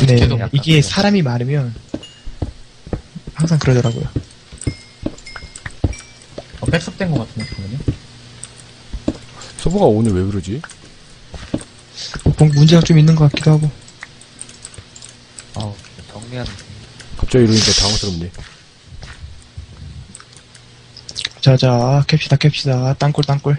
네, 계속 이게 사람이 많으면 항상 그러더라고요. 백섭된 것 같은데, 잠깐만요. 서버가 오늘 왜 그러지? 뭐 문제가 좀 있는 것 같기도 하고. 정리하는. 갑자기 이러니까 당황스럽네. 자자, 캡시다. 땅굴.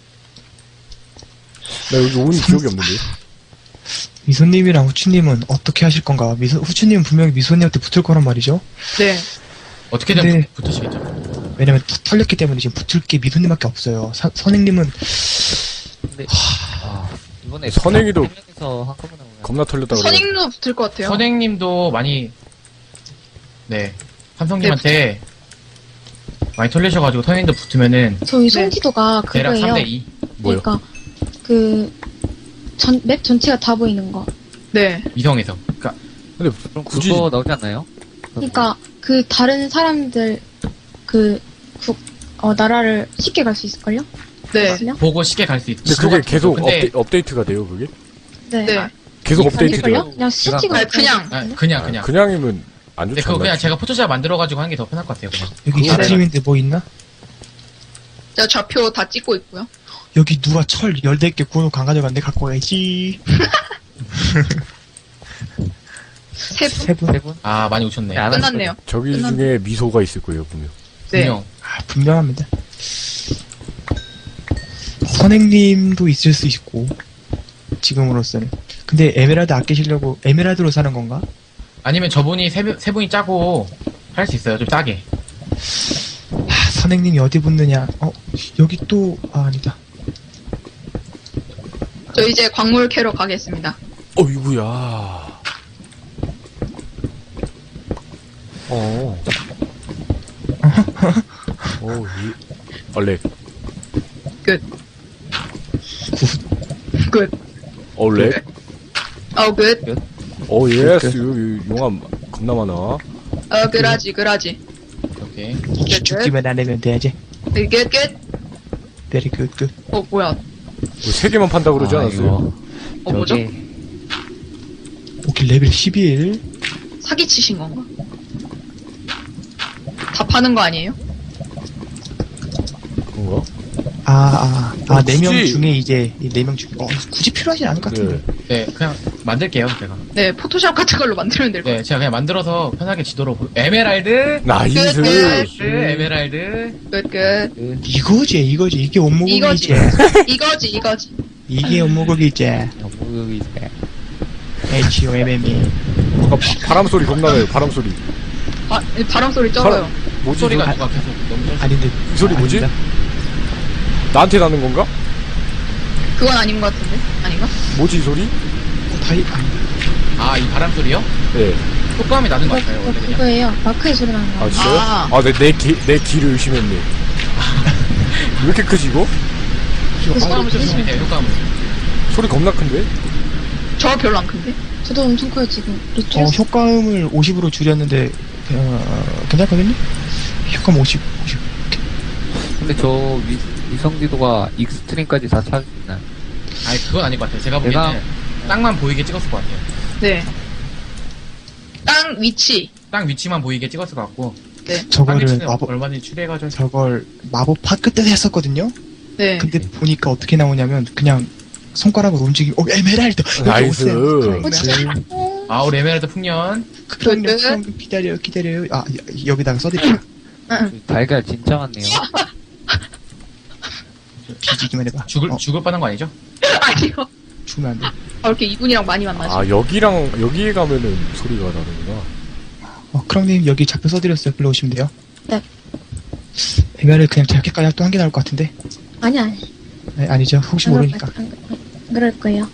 나 여기 온 기억이 없는데. 미소님이랑 후추님은 어떻게 하실 건가? 후추님은 분명히 미소님한테 붙을 거란 말이죠. 네. 어떻게든 근데- 붙으시겠죠. 왜냐면 털렸기 때문에 지금 붙을 게 미소님밖에 없어요. 선생님은 근데 이번에 선행이도- 에서 한꺼번에 오면 겁나 털렸다 그래. 선행도 붙을 것 같아요. 선생님도 많이, 네. 삼성님한테 많이 털리셔가지고 선생님도 붙으면은 저희 송지도가 대략 그거예요. 3대2. 뭐요? 그러니까 맵 전체가 다 보이는 거. 네. 위성에서. 그러니까 근데 그럼 굳이 그거 나오지 않나요? 그러니까 그 다른 사람들 나라를 쉽게 갈 수 있을걸요? 네. 그냥? 보고 쉽게 갈 수 있. 근데 그게 계속 근데 업데이트가 돼요, 그게? 네. 네. 계속 업데이트 아닐걸요? 돼요. 그냥 수치가 아니, 그냥. 그냥. 그냥이면 안 근데 좋지 그거 그냥 않나? 제가 포토샵 만들어가지고 하는 게 더 편할 것 같아요. 그냥. 여기 그거 스트림인데 뭐 있나? 자, 좌표 다 찍고 있고요. 여기 누가 철 14개 구워놓고 안 가져갔는데 갖고 와야지. 세 분? 세 분? 세 분? 아, 많이 오셨네. 안 하실 끝났네요. 저기 끝났네. 중에 미소가 있을 거예요, 분명. 네. 분명. 아, 분명합니다. 선생님도 있을 수 있고, 지금으로서는. 근데 에메랄드 아끼시려고 에메랄드로 사는 건가? 아니면 저분이 세 분이 짜고 할 수 있어요. 좀 싸게. 아, 선생님이 어디 붙느냐? 여기 또, 아니다. 저 이제 광물 캐러 가겠습니다. 어이구야. 얼렉. 끝. 끝. 얼렉. 끝. 예스. 여기 용암 겁나 많아. 그라지. 오케이. 죽기만 안 하면 돼야지. 끝. 베리 굿. 뭐야. 세 개만 판다 그러지 않았어요? 뭐죠? 오케이, 레벨 11. 사기치신 건가? 다 파는 거 아니에요? 그런가? 네 명 굳이- 중에 이제, 4명 중에, 굳이 필요하진 않을 것 같은데. 네, 그냥 만들게요, 제가. 네, 포토샵 같은 걸로 만들면 될 것 네, 제가 그냥 만들어서 편하게 지도로 에메랄드, 나이스. 끝. 에메랄드. 끝. 이거지. 이게 원목이지. 이거지. 이게 원목이지. 영국이 이제 HOMM이. 뭔가 바람 소리 겁나 나요, 바람 소리. 바람 소리 쩔어요. 뭐지? 소리가 이 누가 계속 너무 쩔 아닌데. 소리 뭐지? 아닙니다. 나한테 나는 건가? 그건 아닌 것 같은데? 아닌가? 뭐지 이 소리? 아, 이 바람 소리요? 네. 효과음이 나는 것 같아요, 원래 그냥. 그거예요. 마크의 소리 나는 거. 아 진짜요? 아. 내 귀를 의심했네. 왜 이렇게 크지 이거? 효과음을 쓰시면 돼요, 효과음을. 소리 겁나 큰데? 저 별로 안 큰데? 저도 엄청 커요 지금. 리트레스. 효과음을 50으로 줄였는데, 괜찮거든요? 효과음 50. 근데 저 위성지도가 익스트림까지 다 찾을 수 있나요? 아니, 그건 아닐 것 같아요. 제가 보기에는 땅만 보이게 찍었을 것 같아요. 네. 땅 위치. 땅 위치만 보이게 찍었을 것 같고. 땅 저거를 위치는 얼마든지 추리해가지고. 저걸 마법파 끝에서 했었거든요? 네. 근데 보니까 어떻게 나오냐면, 그냥 손가락으로 움직이고, 에메랄드! 여기 나이스. 오세요. 아, 우리 에메랄드 풍년. 그럼 기다려요. 여기다가 써드릴게요. 달걀 진짜 많네요. 뒤지기만 해봐. 죽을 뻔한 거 아니죠? 아니요. 죽으면 안 돼. 이렇게 이분이랑 많이 만나지. 여기에 가면은 소리가 나는구나. 크롱님 여기 좌표 써드렸어요. 불러오시면 돼요. 네. 에메랄드 그냥 제작까지 또 한 개 나올 것 같은데? 아니. 네, 아니죠. 혹시 모르니까. 안 그럴 거예요.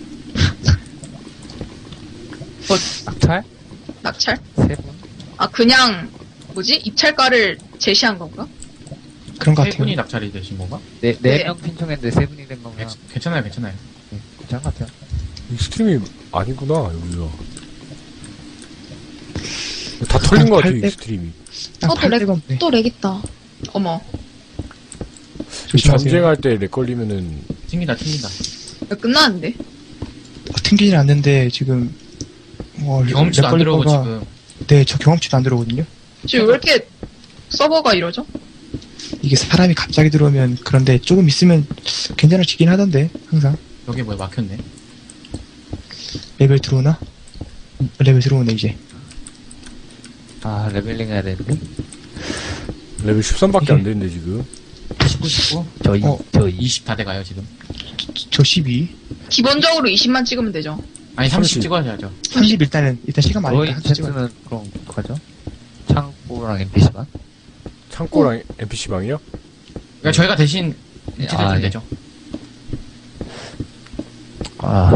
낙찰? 낙찰? 세 분? 그냥, 입찰가를 제시한 건가? 그런 것 세 같아요. 분이 낙찰이 되신 건가? 네. 네 명 신청했는데 세 분이 된 건가? 괜찮아요. 괜찮은 것 같아요. 이 스트림이 아니구나 여기가. 다 털린 것 같아 이 800. 스트림이. 딱 또 800원 없네. 또 렉 있다. 어머. 조심하세요. 전쟁할 때 렉 걸리면은 튕긴다. 끝났는데? 튕기진 않는데 지금 경험치도 안 들어오고 지금. 네, 저 경험치도 안 들어오거든요. 지금 왜 이렇게 서버가 이러죠? 이게 사람이 갑자기 들어오면 그런데 조금 있으면 괜찮아지긴 하던데 항상. 여기 뭐야 막혔네. 레벨 들어오나? 레벨 들어오네 이제. 아, 레벨링 해야 되는데. 레벨 13밖에 안 되는데, 지금. 19. 저 20 다 돼가요 지금. 저 12. 기본적으로 20만 찍으면 되죠. 아니 30 30. 찍어야죠. 30 일단 시간 저희 많으니까 한번 찍어. 테스트는 그럼 어떡하죠? 창고랑 NPC만? 창고랑 NPC방이요? 그러니까 저희가 대신 위치 아, 해주면 예. 되죠. 아,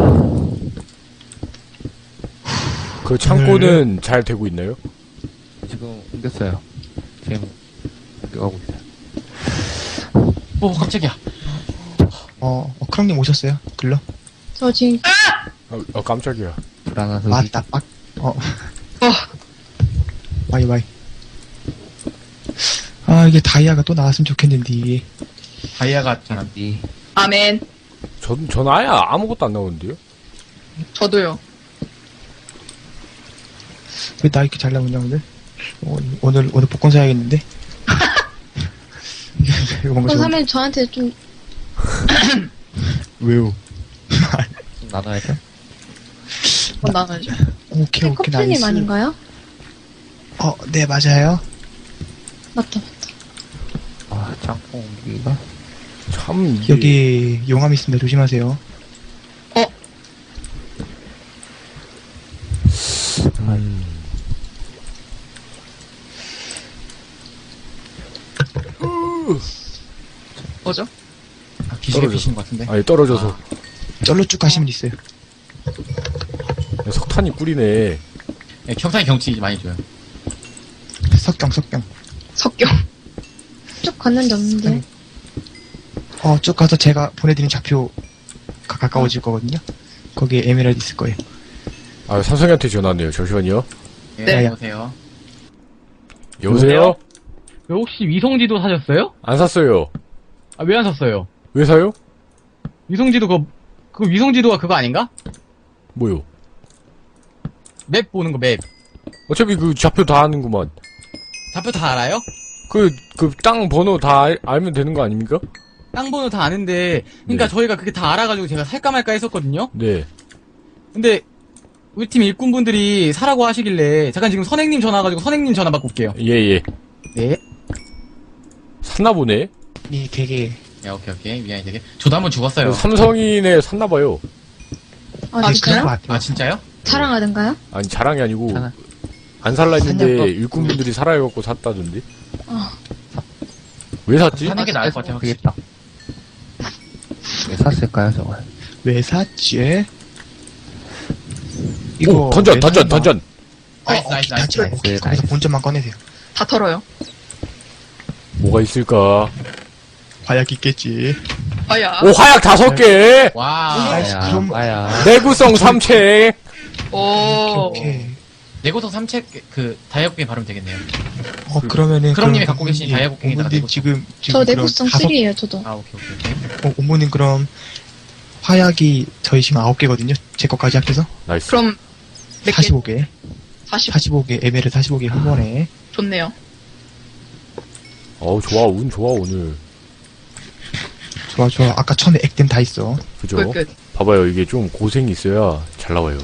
그 창고는 잘 되고 있나요? 지금 옮겼어요. 지금 옮겨가고 있어요. 오 깜짝이야. 크랑님 오셨어요? 글러? 저 지금 깜짝이야. 불안한 맞다, 빡. 와이. 아, 이게 다이아가 또 나왔으면 좋겠는데. 다이아가 잘 안. 소리. 아멘. 전 아예 아무것도 안 나오는데요? 저도요. 왜 나 이렇게 잘 나오냐, 오늘? 오늘 복권 사야겠는데? 이거 뭔가 저 좀, 사면 저한테 좀 왜요? 좀 나눠야죠? 그건 나눠야죠. 오케이, 커플님 나이스. 아닌가요? 네, 맞아요. 맞다. 아, 창고 옮기기가? 참, 이게. 여기 용암 있습니다. 조심하세요. 뭐죠? 아, 기술에 떨어져. 피시는 것 같은데. 아니, 떨어져서. 쩔로 쭉 가시면 있어요. 석탄이 꿀이네. 네, 평상의 경치 많이 줘요. 석경. 석경. 쭉 갔는데 없는데. 쭉 가서 제가 보내드린 좌표 가까워질 거거든요. 거기에 에메랄드 있을 거예요. 아, 삼성이한테 전화 왔네요. 잠시만요. 네. 보세요. 여보세요? 혹시 위성지도 사셨어요? 안 샀어요. 아, 왜 안 샀어요? 왜 사요? 위성지도 그 위성지도가 그거 아닌가? 뭐요? 맵 보는 거 맵. 어차피 그 좌표 다 아는구만. 좌표 다 알아요? 그 땅 번호 다 알면 되는 거 아닙니까? 땅 번호 다 아는데, 그러니까 네. 저희가 그게 다 알아가지고 제가 살까 말까 했었거든요? 네. 근데, 우리 팀 일꾼분들이 사라고 하시길래, 잠깐 지금 선행님 전화 와가지고 선행님 전화 받고 올게요. 예. 네. 샀나 보네? 이 되게 네, 오케이. 미안해 되게. 저도 한번 죽었어요. 삼성이네 샀나봐요. 아, 그런 것 진짜요? 같아요. 아 진짜요? 자랑하던가요? 아니, 자랑이 아니고, 자랑. 안 살라 했는데, 사냐고. 일꾼분들이 사라 해갖고 샀다던데? 어. 왜 샀지? 사는 게 나을 것 같아요. 확실히. 되겠다. 왜 샀을까요, 저걸? 왜 샀지? 오, 던전! 나이스. 오케이, 거기서 나이스. 본점만 꺼내세요. 다 털어요. 뭐가 있을까? 과약 있겠지. 아야. 오, 화약 5개! 와. 나이스. 아야, 그럼- 아야. 내구성 3책! 오. 오케이. 내고성 3책 그 다이아곡갱이 바르면 되겠네요. 그러면은. 크롱님이 그럼 갖고 계신 다이아곡갱에다가 어머님 내구성. 지금 저 그럼 내구성 다섯- 3이에요, 저도. 아 오케이. 어머님 그럼 화약이 저희 지금 9개거든요. 제 것까지 합해서. 나이스. 그럼 몇 개? 45개. 40. 45개, 에메랄드 45개 한 번에. 좋네요. 어우, 좋아, 운 좋아, 오늘. 좋아. 아까 처음에 액땜 다 있어. 그죠? 끝. 봐봐요, 이게 좀 고생이 있어야 잘 나와요.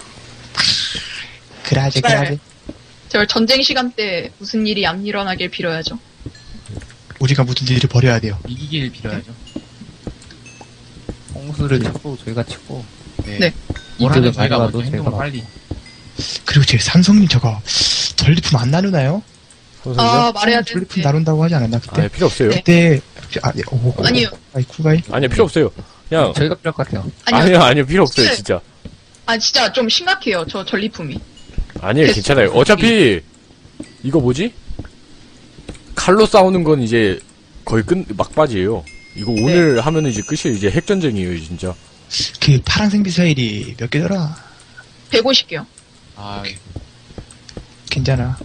그라제. 제발 전쟁 시간 때 무슨 일이 안 일어나길 빌어야죠. 우리가 무슨 일을 벌여야 돼요. 이기길 빌어야죠. 홍수를 치고, 저희가 치고. 네. 뭘 하든 이쪽에 저희가 가져와도 먼저 행동을 제가 빨리. 그리고 제 삼성님 저거 전리품 안 나누나요? 선생님? 아, 말해야 전리품 되는데. 나눈다고 하지 않았나 그때? 아니, 필요 없어요. 네. 그때 아니요. 아이 쿨가이. 아니요, 필요 없어요. 그냥, 저희가 필요할 것 같아요. 아니요, 필요 없어요, 진짜. 아, 진짜 좀 심각해요. 저 전리품이. 아니에요, 괜찮아요. 어차피, 이거 뭐지? 칼로 싸우는 건 이제 거의 막바지예요. 이거 오늘 하면은 이제 끝이에요. 이제 핵전쟁이에요, 진짜. 그 파란색 미사일이 몇 개더라? 150개요. 아 괜찮아.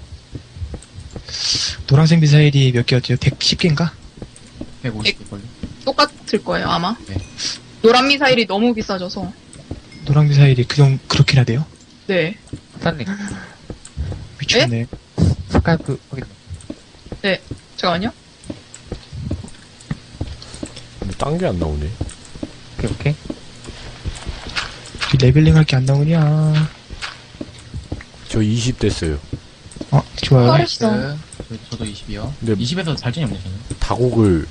노란색 미사일이 몇 개였죠? 110개인가? 150 걸려. 똑같을 거예요, 아마. 네. 노란 미사일이 너무 비싸져서. 노란 미사일이 그렇게나 돼요? 네. 사장님, 미쳤네. 스카이프 확인. 잠깐만요. 근데 딴 게 안 나오네. 오케이. 레벨링 할 게 안 나오냐. 저 20 됐어요. 좋아요. 빠르시다. 저도 20이요. 근데 20에서 발전이 없네, 저는. 다곡을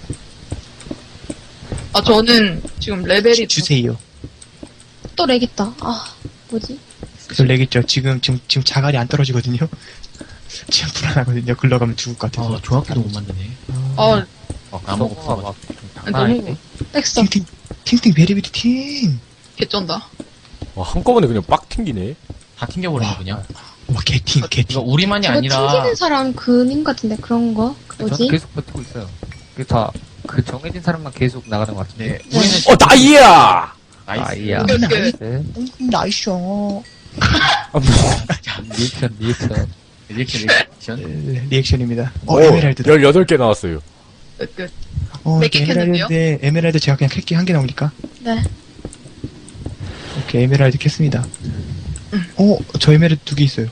아, 저는 지금 레벨이 주세요. 또 렉 있다. 아, 뭐지? 저 렉있죠. 지금 자갈이 안 떨어지거든요. 지금 불안하거든요. 글러가면 죽을 것 같아서. 조합기도 못 만드네. 아, 까먹고 서버가 막 장난 너무 아닌데? 렉서. 팅팅 베리베리 팅. 개쩐다. 한꺼번에 그냥 빡 튕기네. 다 튕겨버리네, 그냥. 와 개팅. 이거 우리만이 저거 아니라. 튕기는 사람 그님 같은데, 그런 거? 그 저는 뭐지? 계속 버티고 있어요. 그게 다, 그 정해진 사람만 계속 나가는 것 같은데. 네, 우리는. 나이야! 나이스. 아이야. 끝, 끝. 네. 나이스. 리액션. 리액션. 리액션입니다. 오, 에메랄드. 18개 나왔어요. 끝. 이렇게 몇 개 캤는데요? 에메랄드 제가 그냥 캘게 한 개 나오니까. 네. 오케이, 에메랄드 캤습니다. 저 에메랄드 2개 있어요.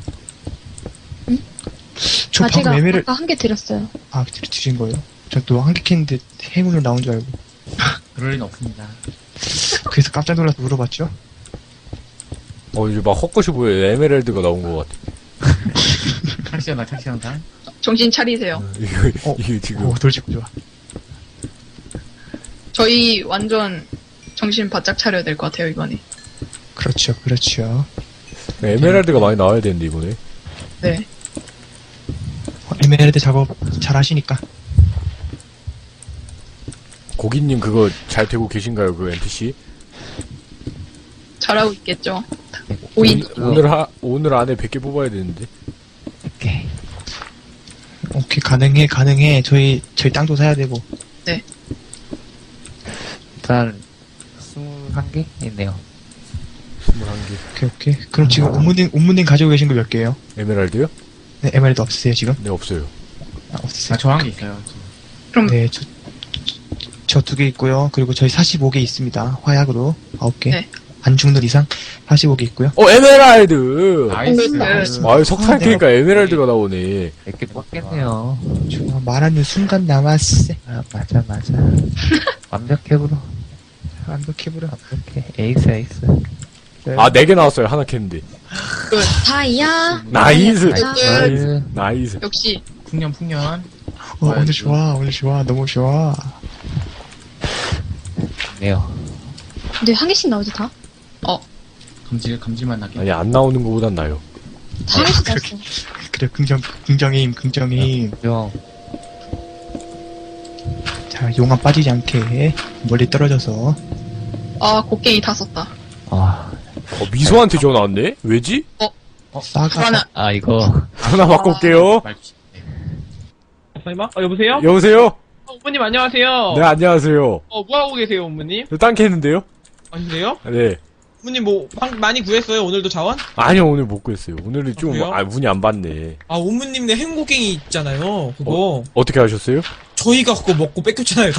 저 제가 방금 에메랄드, 아까 한 개 드렸어요. 드신 거예요? 저 또 한 개 캤는데 행운으로 나온 줄 알고. 그럴 리는 없습니다. 그래서 깜짝 놀라서 물어봤죠? 이제 막 헛것이 보여요. 에메랄드가 나온 것 같아. 착시한다. 정신 차리세요. 이거 지금. 돌직구 좋아. 저희 완전 정신 바짝 차려야 될 것 같아요, 이번에. 그렇죠. 에메랄드가 많이 나와야 되는데, 이번에. 네. 에메랄드 작업 잘 하시니까. 고기님 그거 잘 되고 계신가요, 그 NPC? 잘하고 있겠죠. 오인. 오늘 안에 100개 뽑아야 되는데. 오케이, 가능해. 저희 땅도 사야 되고. 일단, 21개 있네요. 21개. 오케이. 그럼 지금 옴무님 가지고 계신 거 몇 개예요? 에메랄드요? 네, 에메랄드 없으세요, 지금? 네, 없어요. 없으세요. 저 한 개 있어요. 그럼 네, 저 2개 있고요. 그리고 저희 45개 있습니다. 화약으로 9개. 네. 안 죽는 이상 45개 있고요. 에메랄드! 나이스. 석탄 캐니까 에메랄드가 나오네. 100개 뽑겠네요. 좋아, 말하는 순간 남았어. 맞아. 완벽해, 브로. 완벽해보라. 완벽해. 에이스. 4개 나왔어요. 하나 캤는데. 다이아. 나이스! 다이아. 나이스. 역시 풍년. 오늘 좋아. 너무 좋아. 네요. 근데 한 개씩 나오지, 다? 감질만 나게. 아니, 안 나오는 것보단 나요. 다 한 개씩 나왔어. 그래, 긍정의 힘. 형, 자, 용암 빠지지 않게 멀리 떨어져서. 곡괭이 다 썼다. 미소한테 전화 왔네? 왜지? 하나 이거. 전화 받고 올게요. 설마? 여보세요? 여보세요? 어머님 안녕하세요. 네, 안녕하세요. 뭐하고 계세요, 어머님? 저 땅 캤는데요? 아닌데요? 네. 어머님 많이 구했어요, 오늘도 자원? 아니요, 오늘 못 구했어요. 오늘은 좀, 그래요? 운이 안 봤네. 어머님네 행곡갱이 있잖아요, 그거. 어떻게 하셨어요? 저희가 그거 먹고 뺏겼잖아요.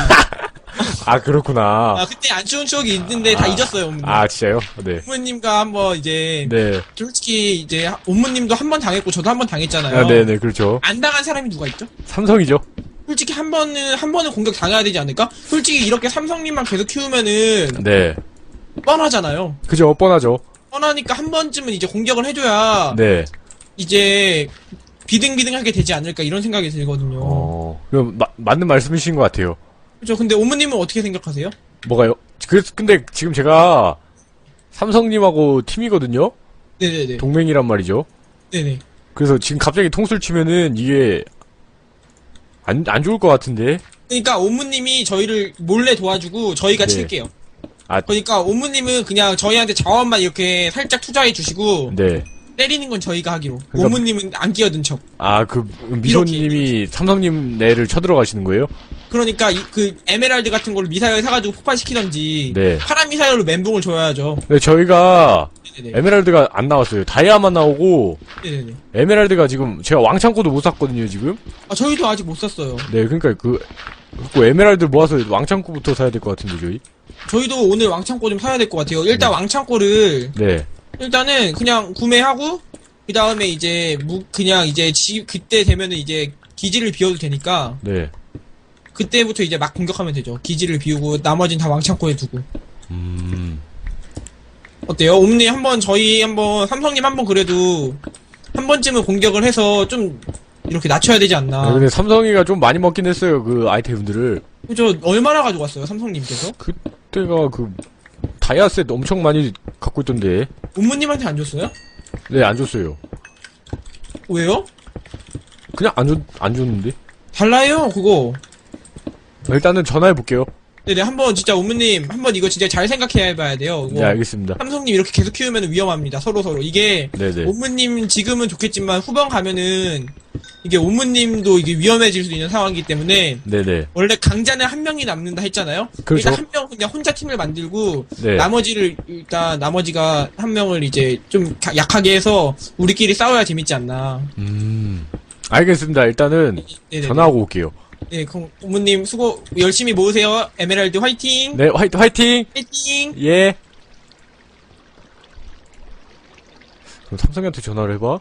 그렇구나. 그때 안 좋은 추억이 있는데 다 잊었어요, 어머님. 진짜요? 네. 어머님과 한번 이제, 네. 솔직히 이제, 어머님도 한 번 당했고, 저도 한 번 당했잖아요. 네네, 그렇죠. 안 당한 사람이 누가 있죠? 삼성이죠? 솔직히 한 번은 공격 당해야 되지 않을까? 솔직히 이렇게 삼성님만 계속 키우면은, 네. 뻔하잖아요. 그죠, 뻔하죠. 뻔하니까 한 번쯤은 이제 공격을 해줘야, 네. 이제 비등비등하게 되지 않을까 이런 생각이 들거든요. 그럼, 맞는 말씀이신 것 같아요. 그렇죠. 근데 어머님은 어떻게 생각하세요? 뭐가요? 근데 지금 제가 삼성님하고 팀이거든요? 네네네. 동맹이란 말이죠. 네네. 그래서 지금 갑자기 통수를 치면은 이게 안 좋을 것 같은데. 그러니까 어머님이 저희를 몰래 도와주고 저희가 네. 칠게요. 아. 그러니까 어머님은 그냥 저희한테 자원만 이렇게 살짝 투자해 주시고 네. 때리는 건 저희가 하기로. 그러니까- 어머님은 안 끼어든 척. 미소님이 삼성님 내를 쳐들어가시는 거예요? 그러니까 그 에메랄드 같은 걸로 미사일 사가지고 폭발시키던지 네. 파란 미사일로 멘붕을 줘야죠. 네, 저희가 네네네. 에메랄드가 안 나왔어요. 다이아만 나오고, 네네네. 에메랄드가 지금 제가 왕창고도 못 샀거든요, 지금. 저희도 아직 못 샀어요. 네, 그러니까 에메랄드 모아서 왕창고부터 사야 될 것 같은데, 저희. 저희도 오늘 왕창고 좀 사야 될 것 같아요. 일단 왕창고를 네. 일단은 그냥 구매하고 그 다음에 이제 그냥 이제 그때 되면은 이제 기지를 비워도 되니까 네. 그때부터 이제 막 공격하면 되죠. 기지를 비우고 나머진 다 왕창고에 두고. 어때요? 옴님 한번 저희 한번 삼성님 한번 그래도 한 번쯤은 공격을 해서 좀 이렇게 낮춰야 되지 않나. 근데 삼성이가 좀 많이 먹긴 했어요, 그 아이템들을. 저 얼마나 가지고 왔어요, 삼성님께서? 그때가 그, 다이아셋 엄청 많이 갖고 있던데. 옴무님한테 안 줬어요? 네, 안 줬어요. 왜요? 그냥 안 줬는데. 달라요, 그거. 일단은 전화해볼게요. 네네, 한번 진짜 옴무님, 한번 이거 진짜 잘 생각해봐야 돼요. 이거 네, 알겠습니다. 삼성님 이렇게 계속 키우면 위험합니다, 서로서로. 이게, 네네. 옴무님 지금은 좋겠지만 후반 가면은 이게 옴무님도 이게 위험해질 수 있는 상황이기 때문에 네네. 원래 강자는 한 명이 남는다 했잖아요. 그렇죠. 일단 한 명 그냥 혼자 팀을 만들고 네. 나머지가 한 명을 이제 좀 약하게 해서 우리끼리 싸워야 재밌지 않나. 알겠습니다. 일단은 네네. 전화하고 올게요. 네, 그럼 옴무님 수고 열심히 모으세요. 에메랄드 화이팅. 네, 화이팅! 화이팅. 예. 그럼 삼성이한테 전화를 해봐.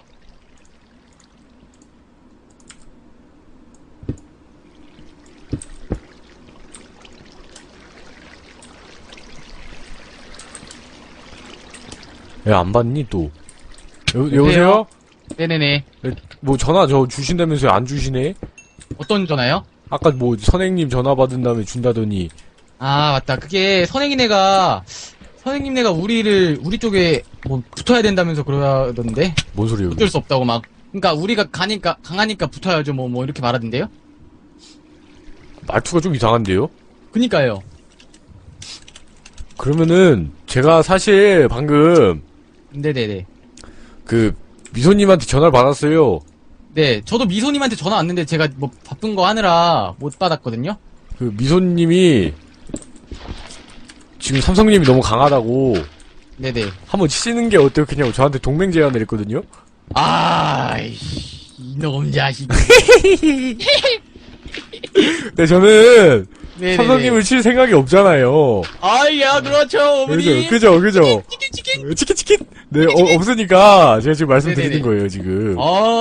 야, 안 받니, 또? 여보세요? 네네네. 뭐, 전화 주신다면서요? 안 주시네? 어떤 전화요? 아까 뭐, 선생님 전화 받은 다음에 준다더니. 아, 맞다. 그게 선생님네가 우리 쪽에 뭐 붙어야 된다면서 그러던데? 뭔 소리예요? 어쩔 수 없다고 막. 그러니까 우리가 강하니까 붙어야죠. 뭐 이렇게 말하던데요? 말투가 좀 이상한데요? 그니까요. 그러면은, 제가 사실 방금, 네네네. 그, 미소님한테 전화를 받았어요. 네, 저도 미소님한테 전화 왔는데 제가 뭐 바쁜 거 하느라 못 받았거든요? 그, 미소님이, 지금 삼성님이 너무 강하다고, 네네. 한번 치시는 게 어때요? 그냥 저한테 동맹 제안을 했거든요? 아이씨, 이놈 자식. 근데 저는, 네네네. 삼성님을 칠 생각이 없잖아요. 아이야, 그렇죠, 어머니. 그죠. 치킨? 네, 없으니까, 제가 지금 말씀드리는 네네네. 거예요, 지금.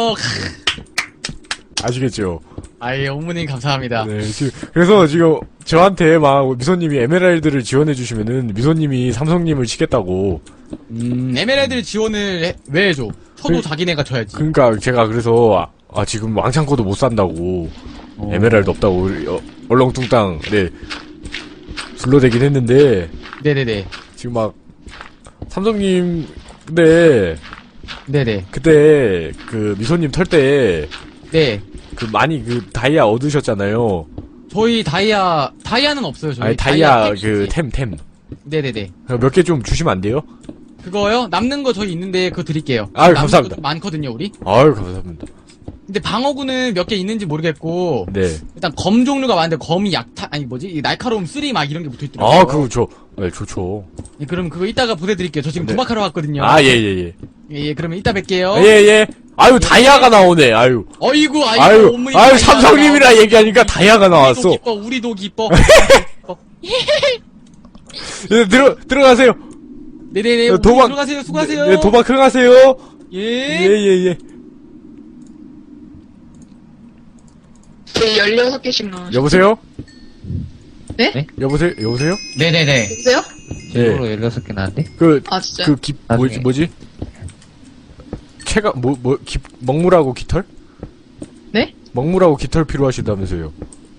아시겠죠? 아이, 어머님 감사합니다. 네, 그래서 지금, 저한테 막, 미소님이 에메랄드를 지원해주시면은, 미소님이 삼성님을 치겠다고. 에메랄드 지원을 왜 해줘? 쳐도 자기네가 쳐야지. 그러니까, 제가 그래서, 지금 왕창고도 못 산다고. 에메랄드 없다고, 얼렁뚱땅, 네, 둘러대긴 했는데, 네네네. 지금 막, 삼성님, 근데, 네네. 그때, 그, 미소님 털 때, 네. 그, 많이 그, 다이아 얻으셨잖아요. 저희 다이아는 없어요, 저희. 아니, 다이아, 템 템. 네네네. 몇 개 좀 주시면 안 돼요? 그거요? 남는 거 저희 있는데 그거 드릴게요. 아유, 남는 감사합니다. 것도 많거든요, 우리. 아유, 감사합니다. 근데 방어구는 몇 개 있는지 모르겠고 네. 일단 검 종류가 많은데 검이 이 날카로움 3 막 이런 게 붙어있더라고요. 그거 네, 좋죠. 예, 그럼 그거 이따가 보내드릴게요. 저 지금 네. 도박하러 왔거든요. 예. 예, 그러면 이따 뵐게요. 예. 아유, 다이아가 나오네, 아유. 어이구, 아유, 어머니 다이아가 삼성님이라 나오네. 얘기하니까 다이아가 나왔어. 우리도 기뻐. 예, 들어가세요. 네네네. 도박- 들어가세요. 수고하세요. 네, 도박 들어가세요. 예. 예. 네, 16개씩 나와요. 여보세요? 네? 여보세요? 네네네. 여보세요? 제로로 16개 나왔는데? 아, 진짜요? 나중에. 뭐지? 먹물하고 깃털? 네? 먹물하고 깃털 필요하시다면서요.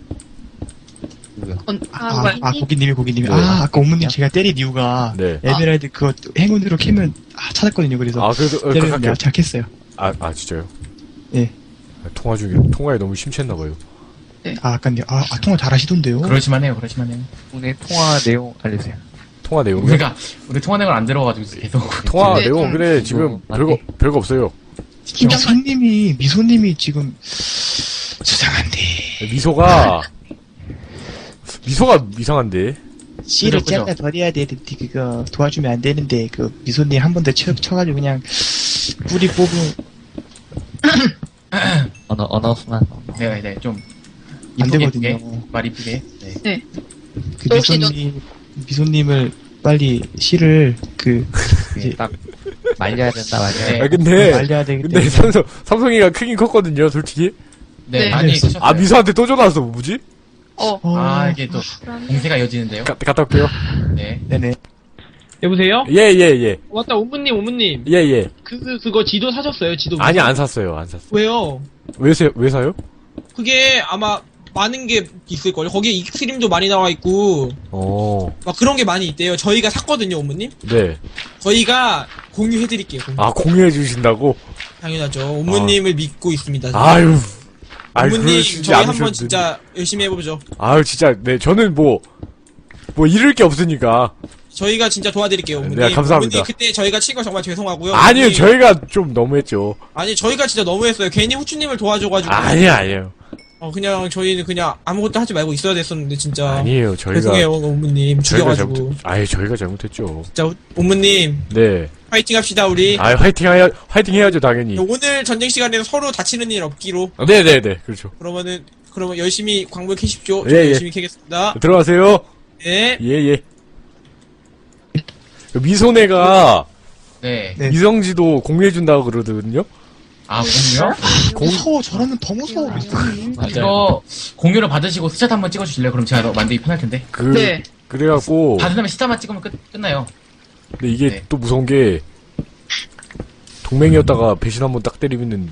고기님이. 네. 아까 옴무님 제가 때린 이유가, 네. 에메랄드 그거 행운으로 캐면, 찾았거든요. 그래서. 그래도, 때리면 갈게요. 내가 잘 캤어요. 진짜요? 예. 통화에 너무 심취했나봐요. 아까요. 통화 잘하시던데요? 그러시만 해요. 오늘 통화 내용 알려주세요. 통화 내용. 우리 통화 내용을 안 들어가지고 계속. 통화 네, 내용, 좀- 그래, 지금 별거 없어요. 미소님이 지금, 수상한데. 미소가 이상한데. 씨를 그죠. 잘라 버려야 되는데, 그거 도와주면 안 되는데, 미소님 한 번 더 쳐가지고 그냥, 뿌리 뽑으면 언어순환. 네, 좀. 안 이쁘게, 되거든요. 이쁘게, 말 이쁘게. 네. 혹시 미소님을 빨리 씨를, 이제, 딱 말려야 된다, 말려야 된다. 네. 아, 근데, 말려야 되기 근데 때문에. 삼성이가 크긴 컸거든요, 솔직히. 네, 네. 많이 쓰셨어요. 아, 미소한테 또 전화 왔어, 뭐지? 아, 이게 또 공세가 이어지는데요. 갔다 올게요. 네. 네네. 여보세요? 예, 예, 예. 맞다, 옴무님. 예, 예. 그거 지도 사셨어요, 지도. 아니, 안 샀어요, 안 샀어요. 왜요? 왜 사요? 그게 아마 많은 게 있을걸요. 거기에 익스트림도 많이 나와 있고 막 그런 게 많이 있대요. 저희가 샀거든요, 어머님. 네. 저희가 공유해드릴게요. 공유. 아, 공유해 주신다고? 당연하죠. 어머님을 믿고 있습니다. 아유. 어머님, 그러시지 저희 한번 않으셔도 진짜 열심히 해보죠. 아유, 진짜, 네, 저는 뭐 잃을 게 없으니까. 저희가 진짜 도와드릴게요, 어머님. 네, 감사합니다. 어머님, 그때 저희가 친 거 정말 죄송하고요. 아니요, 어머님. 저희가 좀 너무했죠. 아니, 저희가 진짜 너무했어요. 괜히 후추님을 도와줘가지고. 아니에요. 그냥 저희는 그냥 아무것도 하지 말고 있어야 됐었는데, 진짜. 아니에요, 저희가. 죄송해요, 어머님. 저희가 죽여가지고. 저희가 잘못했죠. 진짜, 어머님. 네. 파이팅 합시다, 우리. 화이팅 해야죠, 당연히. 오늘 전쟁 시간에는 서로 다치는 일 없기로. 네네네, 그렇죠. 그러면 열심히 광물 캐십시오. 예, 저도 예. 열심히 캐겠습니다. 들어가세요. 네. 예, 예. 미소네가 네. 네. 미성지도 공유해준다고 그러거든요? 아, 공유요? 무서워. 저러면 더 무서워. 이거 공유를 받으시고 스샷 한번 찍어주실래요? 그럼 제가 더 만들기 편할 텐데. 네. 그래갖고. 받은 다음에 스샷만 찍으면 끝나요. 근데 이게 네. 또 무서운 게, 동맹이었다가 배신 한번 딱 때리면은,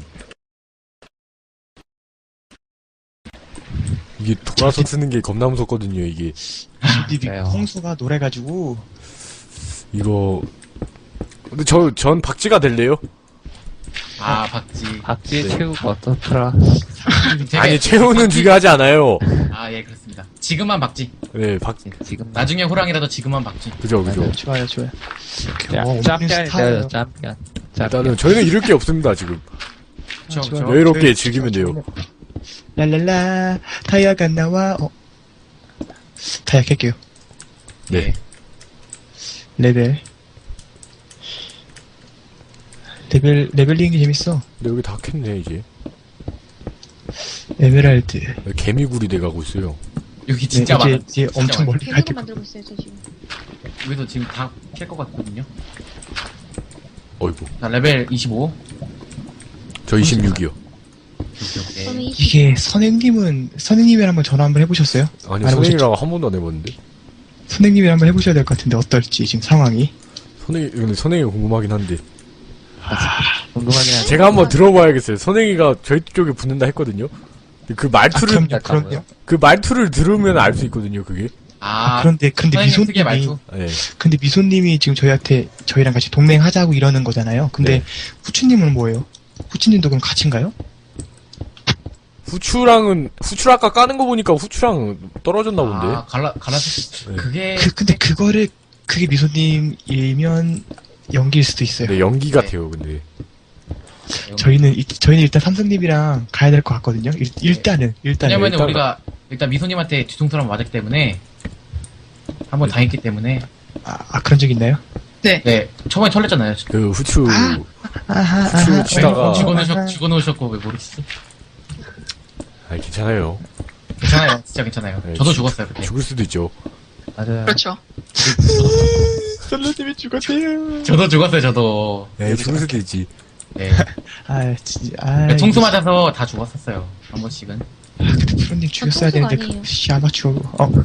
이게 돌아서 쓰는 게 겁나 무섭거든요, 이게. 집이 맞아요. 홍수가 노래가지고. 이거. 근데 전 박쥐가 될래요? 아, 박지. 박쥐 네. 채우고 어떻더라. 되게- 아니, 채우는 중요하지 않아요. 아, 예, 그렇습니다. 지금만 박지. 네, 지금. 나중에 호랑이라도 지금만 박지. 그죠. 좋아요. 짬pion 돼요, 짬pion. 일단은 저희는 잃을 게 없습니다, 지금. 그쵸, 좋아요. 그쵸. 여유롭게 저희- 즐기면 돼요. 랄랄라. 타이어가 나와. 타이어 켤게요. 네. 레벨링이 재밌어. 근데 여기 다 캤네, 이제. 에메랄드. 개미굴이 돼가고 있어요. 여기 네, 진짜 많아. 이제 엄청 멀리 갈 때. 배구로 만들고 있어요, 저 지금. 여기도 지금 다 캘 것 같거든요. 어이구. 자, 레벨 25. 저 26이요. 네. 그러면 이게 선생님이랑 한번 전화 한번 해보셨어요? 아니, 안 해보셨죠? 선생님이랑 한 번도 안 해봤는데. 선생님이랑 한번 해보셔야 될 것 같은데 어떨지 지금 상황이. 근데 선생님이 궁금하긴 한데. 궁금하긴 한데. 제가 한번 들어봐야겠어요. 선생님이가 저희 쪽에 붙는다 했거든요. 근데 그럼요. 그 말투를 들으면 알 수 있거든요, 그게. 아, 그런데 선생님 특유의 미소님이 말투. 네. 근데 미소님이 지금 저희랑 같이 동맹하자고 이러는 거잖아요. 근데 네. 후추님은 뭐예요? 후추님도 그럼 같이인가요? 후추 아까 까는 거 보니까 후추랑 떨어졌나 본데. 아, 갈라서. 네. 그게. 근데 그게 미소님이면 연기일 수도 있어요. 네, 연기 같아요, 근데. 저희는 일단 삼성님이랑 가야 될 것 같거든요. 일단은. 왜냐면은 일단- 우리가 일단 미소님한테 뒤통수 한번 맞았기 때문에 한번 당했기 때문에 그런 적 있나요? 네 초반에 털렸잖아요. 그 후추 아하. 치다가 죽어놓으셨고 왜 모르겠어? 아니 괜찮아요. 괜찮아요, 진짜 괜찮아요. 네, 저도 죽었어요 그때. 죽을 수도 있죠. 맞아요. 그렇죠. 선생님이 죽었대요. 저도 죽었어요, 저도. 네, 죽을 수도 있지. 네. 진짜. 통수 맞아서 다 죽었었어요. 한 번씩은. 프로님 죽였어야 통수가 되는데 아니에요. 아마추어.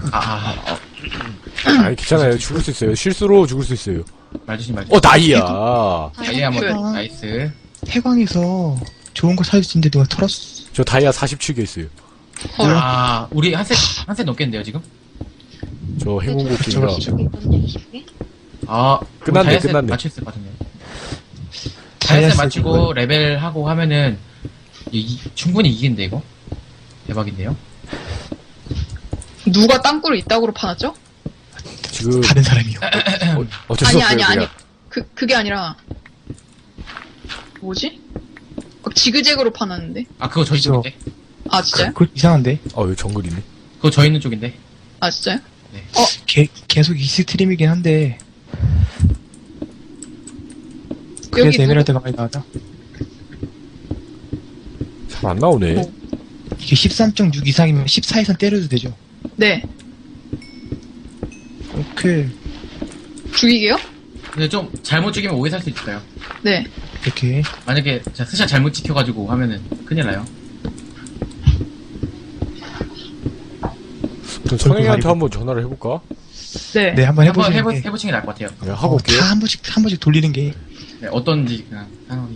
아니 괜찮아요. 죽을 수 있어요. 실수로 죽을 수 있어요. 말 조심. 다이아. 다이아 한번 나이스. 해광에서 좋은 거 사줄 수 있는데 누가 털었어? 저 다이아 47개 있어요. 아, 우리 한 셋 넘겠는데요 지금? 저 행운곡기가 저거 20개. 아, 끝났네. 맞출 수 있거든요. 다이아셋 맞추고 레벨 하고 하면은 충분히 이기는데 이거 대박인데요. 누가 땅굴을 이따구로 파놨죠? 지금 다른 사람이요. 어쩔 수 없어요. 아니. 그냥. 그게 아니라. 뭐지? 막 지그재그로 파놨는데? 아, 그거 저희 그죠. 쪽인데. 아, 진짜요? 그거 이상한데? 여기 정글이네. 그거 저희 있는 쪽인데. 아, 진짜요? 계속 익스트림이긴 한데. 그래서 여기 에메랄드가 많이 나오죠. 잘 안 나오네. 이게 13.6 이상이면 14 이상 때려도 되죠. 네. 오케이. 죽이게요? 근데 좀 잘못 죽이면 오해 살 수 있어요. 네. 이렇게. 만약에 제가 스샷 잘못 지켜가지고 하면은 큰일 나요. 그럼 선생님한테 한번 전화를 해볼까? 네. 네, 한번 한번 해보시는 게. 해보시는 게 나을 것 같아요. 네, 하고 올게요. 다 한 번씩 돌리는 게. 네, 어떤지 그냥 상황이.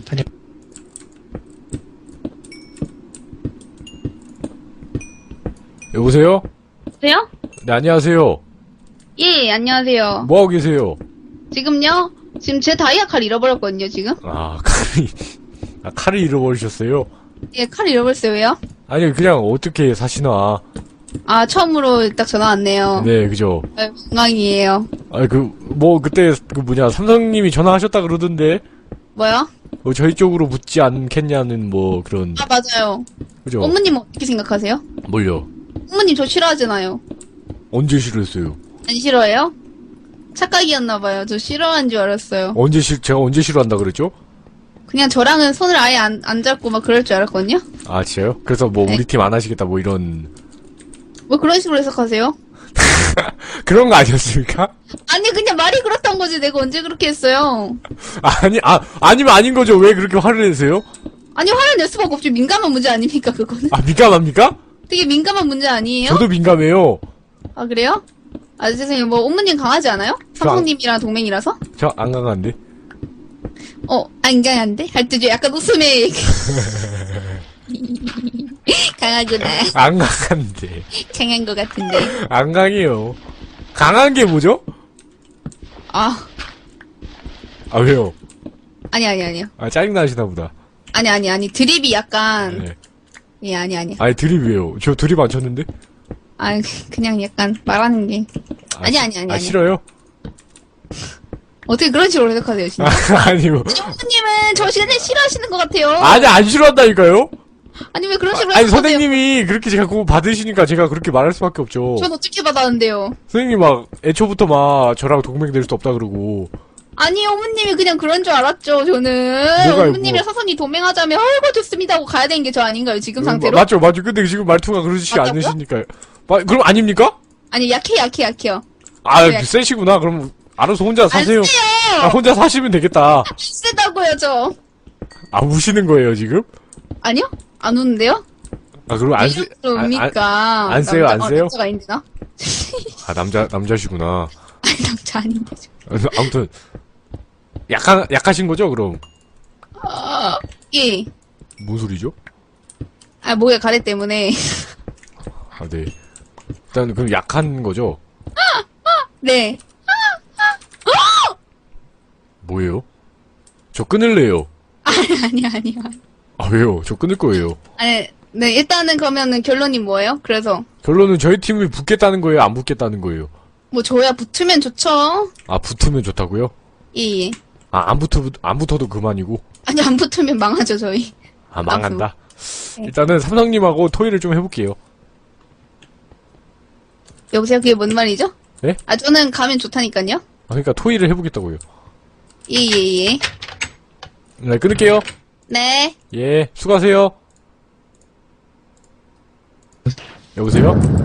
여보세요? 여보세요? 네, 안녕하세요. 예, 안녕하세요. 뭐하고 계세요? 지금요? 지금 제 다이아 칼 잃어버렸거든요, 지금? 아, 칼을 잃어버리셨어요? 예, 칼 잃어버렸어요, 왜요? 아니, 그냥 어떻게 사시나. 아, 처음으로 딱 전화 왔네요. 네, 그죠. 네, 건강이에요. 아, 그때, 삼성님이 전화하셨다 그러던데, 뭐요? 저희 쪽으로 묻지 않겠냐는 그런, 아, 맞아요. 그죠? 어머님 어떻게 생각하세요? 뭘요? 어머님 저 싫어하잖아요. 언제 싫어했어요? 안 싫어해요? 착각이었나봐요. 저 싫어한 줄 알았어요. 제가 언제 싫어한다 그랬죠? 그냥 저랑은 손을 아예 안 잡고 막 그럴 줄 알았거든요? 아, 진짜요? 그래서 네. 우리 팀 안 하시겠다, 이런, 뭐 그런 식으로 해석하세요? 그런 거 아니었습니까? 아니, 그냥 말이 그렇단 거지. 내가 언제 그렇게 했어요? 아니면 아닌 거죠. 왜 그렇게 화를 내세요? 아니, 화를 낼 수밖에 없죠. 민감한 문제 아닙니까, 그거는? 아, 민감합니까? 되게 민감한 문제 아니에요? 저도 민감해요. 아, 그래요? 아, 죄송해요. 뭐, 어머님 강하지 않아요? 삼성님이랑 동맹이라서? 저 안 강한데? 안 강한데? 할 때 약간 웃음에. 강하구나. 안 강한데. 강한 것 같은데. 안 강해요. 강한 게 뭐죠? 아, 왜요? 아니요. 아, 짜증나시나 보다. 아니. 드립이 약간. 네. 예, 아니. 아니, 드립이에요. 저 드립 안 쳤는데? 아, 그냥 약간 말하는 게. 아니. 싫어요? 어떻게 그런 식으로 해석하세요, 진짜? 아니요. 어머님은 저 시간에 싫어하시는 것 같아요. 아니, 안 싫어한다니까요? 아니, 왜 그런 식으로 아니, 해석하세요? 선생님이 그렇게 자꾸 받으시니까 제가 그렇게 말할 수밖에 없죠. 전 어떻게 받았는데요? 선생님 애초부터 저랑 동맹 될 수 없다 그러고. 아니, 어머님이 그냥 그런 줄 알았죠, 저는. 뭐가요, 어머님이랑 사선이 동맹하자면, 아이고, 좋습니다 하고 가야 되는 게 저 아닌가요, 지금 상태로? 맞죠. 근데 지금 말투가 그러지 맞다고요? 않으시니까요. 그럼 아닙니까? 아니, 약해요. 아, 네. 세시구나. 그럼 알아서 혼자 사세요. 안 세요! 혼자 사시면 되겠다. 세다고요, 저. 우시는 거예요, 지금? 아니요? 안 우는데요? 그럼 안 세, 뭡니까? 안 세요, 안 세요? 남자가 아닌데나? 남자시구나. 아니, 남자 아닌데, 저. 아무튼, 약하신 거죠, 그럼? 예. 뭔 소리죠? 아, 목에 가래 때문에. 네. 일단, 그럼 약한 거죠? 네. 뭐예요? 저 끊을래요. 아니요. 왜요? 저 끊을 거예요. 아니, 네, 일단은 그러면은 결론이 뭐예요? 그래서. 결론은 저희 팀이 붙겠다는 거예요? 안 붙겠다는 거예요? 뭐, 저야 붙으면 좋죠. 붙으면 좋다고요? 예. 안 붙어도 그만이고? 아니, 안 붙으면 망하죠, 저희. 망한다? 네. 일단은 삼성님하고 토의를 좀 해볼게요. 여보세요? 그게 뭔 말이죠? 네? 저는 가면 좋다니까요. 그러니까 토의를 해보겠다고요. 예. 네, 끊을게요. 네. 예, 수고하세요. 여보세요?